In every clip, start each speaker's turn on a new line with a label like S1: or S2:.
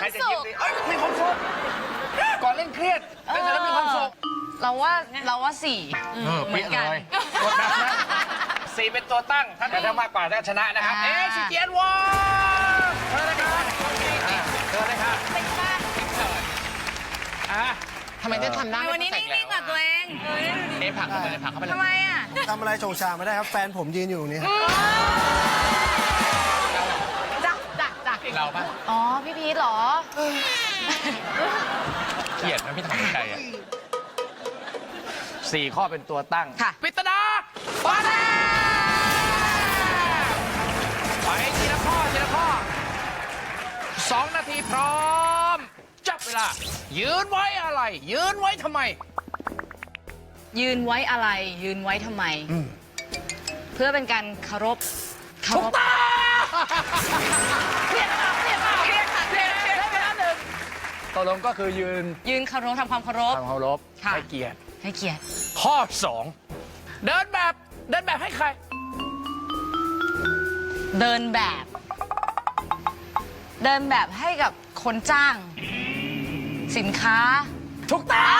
S1: จะยิ้มดีมีความสุขก่อนเล่นเครียดเล่นเสร็จแล้วมีความสุข
S2: เราว่าสี่เหมือนกัน
S1: กดแบบนั้น4เป็นตัวตั้งถ้าได้มากกว่าถ้าชนะนะครับซีเจียนวอร์เชิญเลยครับเชิญเลยครับ
S2: ทำไมจะทำได้
S3: วันนี้นิ่งๆกับตัวเอง
S1: ผักเข้าไปเลยผักเข้าไปเลย
S3: ทำไมอ่ะ
S4: ทำอะไรโชว์ชาไม่ได้ครับ แฟนผมยืนอยู่นี่
S2: จ้ะ
S1: เราปะ
S2: อ๋อ พี่พีทเหรอ
S1: เกลียดนะพี่ทำใจอ่ะ4 ข้อเป็นตัวตั้ง
S2: ค่ะ
S1: ปริศนาฟ้าแลบไปทีละข้อทีละข้อ2 นาทีพร้อม จับเวลา ยืนไว้อะไร ยืนไว้ทำไม
S2: ยืนไว้อะไร ยืนไว้ทำไม เพื่อเป็นการเคารพ
S1: ถูกต้องเครียดมากเครียดมากเครียดค่ะเครียดได้เวลา1ตกลงก็คือยืน
S2: ยืนเคารพทำความเคารพ
S1: ทำเคารพ
S2: ค่ะ
S1: ให้เกียรติ
S2: ให้เกียรติ
S1: ข้อ 2 เดินแบบให้ใคร
S2: เดินแบบ เดินแบบให้กับคนจ้าง สินค้า
S1: ถูกต้อง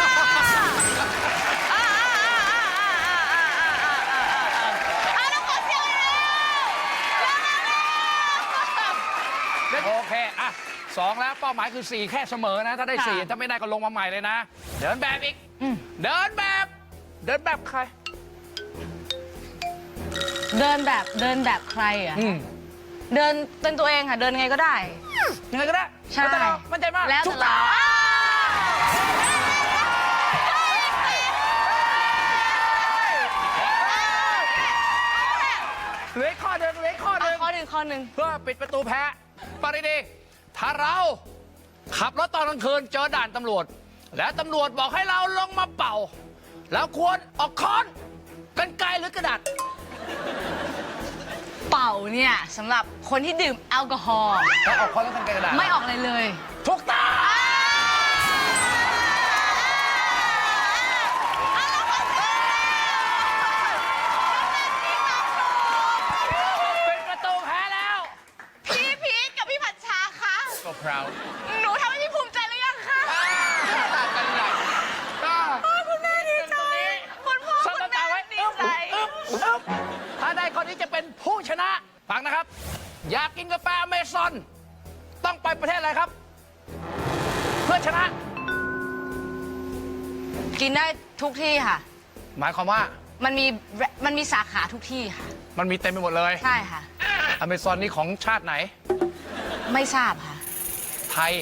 S1: โอเคอ่ะ2แล้วเป้าหมายคือ 4 แค่เสมอนะ ถ้าได้
S2: ค่ะ
S1: 4 ถ้าไม่ได้ก็ลงมาใหม่เลยนะ เดินแบบอีก เดินแบบใคร
S2: เดินแบบใครอ่ะ เดินเป็นตัวเองค่ะ เดินยังไงก็ได้
S1: ยังไงก็ได้
S2: ใช่
S1: มั่นใจมาก
S2: แล้วแต่
S1: ถูกต้อง เหลือข้อหนึ่ง
S2: ข้อหนึ่ง
S1: เพื่อปิดประตูแพ้ปริดีถ้าเราขับรถตอนกลางคืนเจอด่านตำรวจ แล้วตำรวจบอกให้เราลงมาเป่า แล้วควรออกค้อนกรรไกรหรือกระดาษ
S2: เป่าเนี่ยสำหรับคนที่ดื่มแอลกอฮอล์
S1: แล้วออกค้อนแล้วกรรไกรกระดาษ
S2: ไม่ออกอะไรเลย
S1: ถูกต้องเป็นประตูแพ้แล้ว
S2: พี่พีทกับพี่ผัดชาคะ
S1: ก็พราว
S2: หนูทำให้พี่ภูมิใจหรือยังคะ
S1: กันใหญ่ก็
S2: คุณแม่ดีใจคุณพ่อ
S1: ส
S2: คุณ
S1: ตา
S2: แม่
S1: ร์ไว้
S2: ดีใจ
S1: ถ้าได้คนนี้จะเป็นผู้ชนะ ฟังนะครับ อยากกินกาแฟอเมซอน ต้องไปประเทศอะไรครับ เพื่อชนะ
S2: กินได้ทุกที่ค่ะ
S1: หมายความว่า
S2: มันมีสาขาทุกที่ค่ะ
S1: มันมีเต็มไปหมดเลย
S2: ใช่ค่ะ
S1: อเมซอนนี่ของชาติไหน
S2: ไม่ทราบค่ะ
S1: ไทย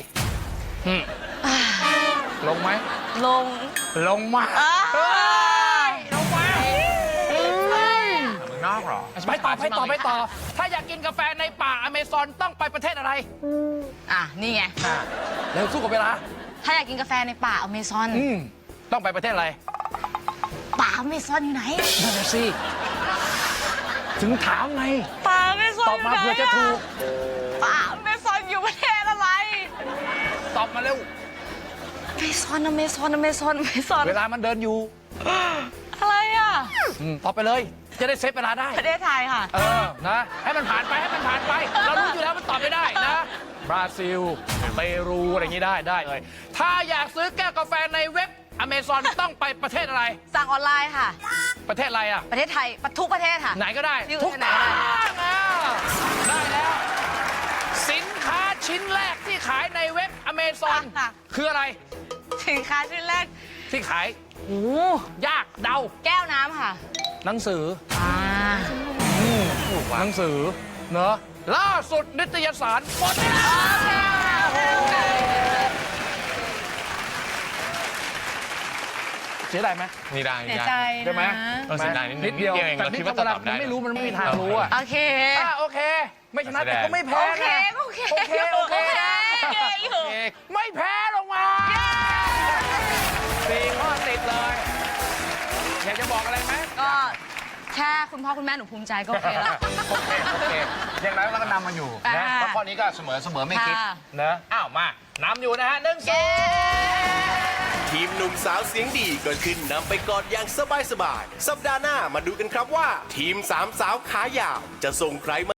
S1: ลงไหม
S2: ลง
S1: ลงมา
S2: เอ้ย
S1: ลงมา
S5: เมืองนอกเหรอ
S1: ไปต่อ ถ้าอยากกินกาแฟในป่าอเมซอนต้องไปประเทศอะไร
S2: อ่ะ นี่ไง
S1: เร็วสู้กับเวลา
S2: ถ้าอยากกินกาแฟในป่าอเมซอน
S1: ต้องไปประเทศอะไร
S2: ป่าอเมซอนอยู่ไหน
S1: นั่นน่ะสิถึงถามไง
S2: ป่าอเมซอน
S1: ตอบมาเผื่อจะถูก
S2: ป่าอเมซอนอยู่ประเทศอะไร
S1: ตอบมาเร็ว
S2: อเมซอน
S1: เวลามันเดินอยู่
S2: อะไรอ่ะ
S1: ตอบไปเลย จะได้เซฟเวลาได้
S2: ประเทศไทยค่ะ
S1: นะ ให้มันผ่านไป เรารู้อยู่แล้วมันตอบไม่ได้นะ บราซิล เปรูอะไรอย่างนี้ได้เลย ถ้าอยากซื้อแก้วกาแฟในเว็บอเมซอนต้องไปประเทศอะไร
S2: สั่งออนไลน์ค่ะ
S1: ประเทศอะไรอ่ะ
S2: ประเทศไทยทุกประเทศค่ะ
S1: ไหนก็ได้
S2: ที่
S1: ทุก
S2: ไหน
S1: ทา
S2: ก็ได้
S1: งได้แล้ว สินค้าชิ้นแรกที่ขายในเว็บอเมซอน
S2: ค่ะ
S1: คืออะไร
S2: สินค้าชิ้นแรก
S1: ที่ขาย
S2: โอ้
S1: ยากเดา
S2: แก้วน้ำค่ะ
S1: หนังสือ
S5: ว่ะ
S1: หนังสือเนอะล่าสุดนิตยสารหมดเวลาเสียดายไหม
S5: นี่ได้
S2: เสียใจ
S1: ได้ไหม
S2: นะ
S5: เสียดายนิดเดียวเอง
S1: แต่
S5: เรา
S1: นี่
S5: คิดว่า
S1: เวลา
S5: ตอบได้
S1: มันไม่รู้มันไม่มีทางรู้อ่ะ
S2: โอเค
S1: โอเค ไม่ชนะแต่ก็ไม่แพ้
S2: โอเค
S1: นะ
S2: โอเค
S1: โอเค
S2: โอเคอยู่
S1: ไม่แพ้ลงมา4 ข้อติดเลย อยากจะบอกอะไรไหม
S2: ก็แค่คุณพ่อคุณแม่หนูภูมิใจก็โอเคแล้ว
S1: โอเคอย่างไรเราก็นำมาอยู่นะ
S2: อ่า
S1: เพราะข้อนี้ก็เสมอไม่คิด
S2: ค่ะ
S1: นะอ้าวมานำอยู่นะฮะ1-0
S6: ทีมหนุ่มสาวเสียงดีก็ขึ้นนำไปก่อนอย่างสบายๆ สัปดาห์หน้ามาดูกันครับว่า ทีมสามสาวขายาวจะส่งใครมา